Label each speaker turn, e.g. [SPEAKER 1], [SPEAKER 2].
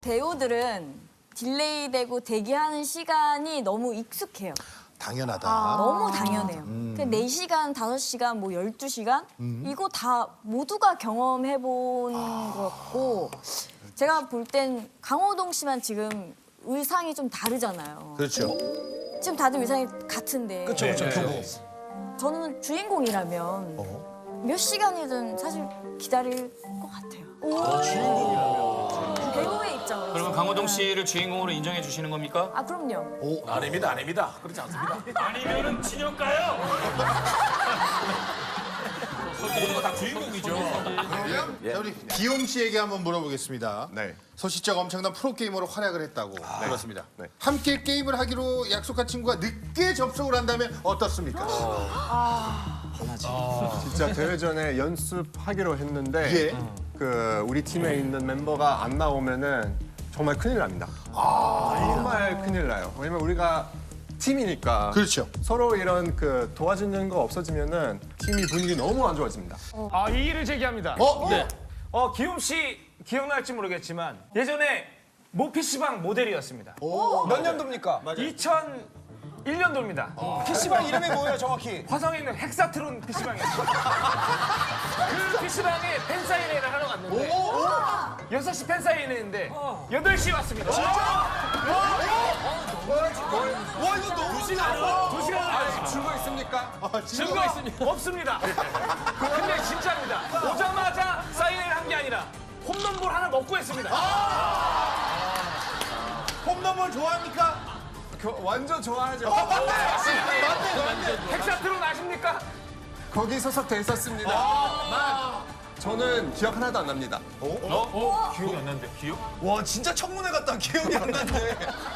[SPEAKER 1] 배우들은 딜레이되고 대기하는 시간이 너무 익숙해요.
[SPEAKER 2] 당연하다.
[SPEAKER 1] 너무 당연해요. 4시간, 5시간, 뭐 12시간? 이거 다 모두가 경험해본 것 같고 제가 볼 땐 강호동 씨만 지금 의상이 좀 다르잖아요.
[SPEAKER 2] 그렇죠.
[SPEAKER 1] 지금 다들 의상이 같은데
[SPEAKER 2] 그렇죠, 교복.
[SPEAKER 1] 저는 주인공이라면 몇 시간이든 사실 기다릴 것 같아요. 주인공이라면? 배우의 입장으로.
[SPEAKER 3] 그러면 강호동 씨를 주인공으로 인정해 주시는 겁니까?
[SPEAKER 1] 아, 그럼요.
[SPEAKER 4] 아닙니다, 아닙니다. 그렇지 않습니다.
[SPEAKER 3] 아니면은 진영가요?
[SPEAKER 4] 모두가 다 주인공이죠.
[SPEAKER 2] 자, 우리 기욤 씨에게 한번 물어보겠습니다.
[SPEAKER 5] 네.
[SPEAKER 2] 소시적 엄청난 프로게이머로 활약을 했다고. 그렇습니다.
[SPEAKER 5] 네.
[SPEAKER 2] 함께 게임을 하기로 약속한 친구가 늦게 접속을 한다면 어떻습니까?
[SPEAKER 5] 진짜 대회 전에 연습하기로 했는데
[SPEAKER 2] 예.
[SPEAKER 5] 우리 팀에 있는 멤버가 안 나오면은 정말 큰일 납니다. 정말 큰일 나요. 왜냐면 우리가 팀이니까
[SPEAKER 2] 그렇죠.
[SPEAKER 5] 서로 이런 도와주는 거 없어지면은 팀이 분위기 너무 안 좋아집니다.
[SPEAKER 6] 이의를 제기합니다.
[SPEAKER 2] 네.
[SPEAKER 6] 기욤 씨 기억날지 모르겠지만 예전에 모 PC방 모델이었습니다.
[SPEAKER 7] 몇 년도입니까?
[SPEAKER 6] 2001년도입니다.
[SPEAKER 7] PC방 이름이 뭐예요, 정확히?
[SPEAKER 6] 화성에 있는 헥사트론 PC방이었어요. 그 PC방에 팬사인회를 하러 갔는데 6시 팬사인회인데 8시에 왔습니다.
[SPEAKER 7] 와, 이거 너무
[SPEAKER 6] 2시간
[SPEAKER 7] 증거 있습니까?
[SPEAKER 6] 증거 없습니다. 근데 진짜입니다. 오자마자 사인회를 한 게 아니라 홈런볼 하나 먹고 했습니다.
[SPEAKER 2] 홈런볼 좋아합니까?
[SPEAKER 5] 완전 좋아하죠.
[SPEAKER 6] 헥사트론 아십니까?
[SPEAKER 5] 거기 소속돼 있었습니다. 저는 기억 하나도 안 납니다.
[SPEAKER 6] 기억이 안 나는데 기억?
[SPEAKER 7] 와, 진짜 청문회 같다. 기억이 안 나네.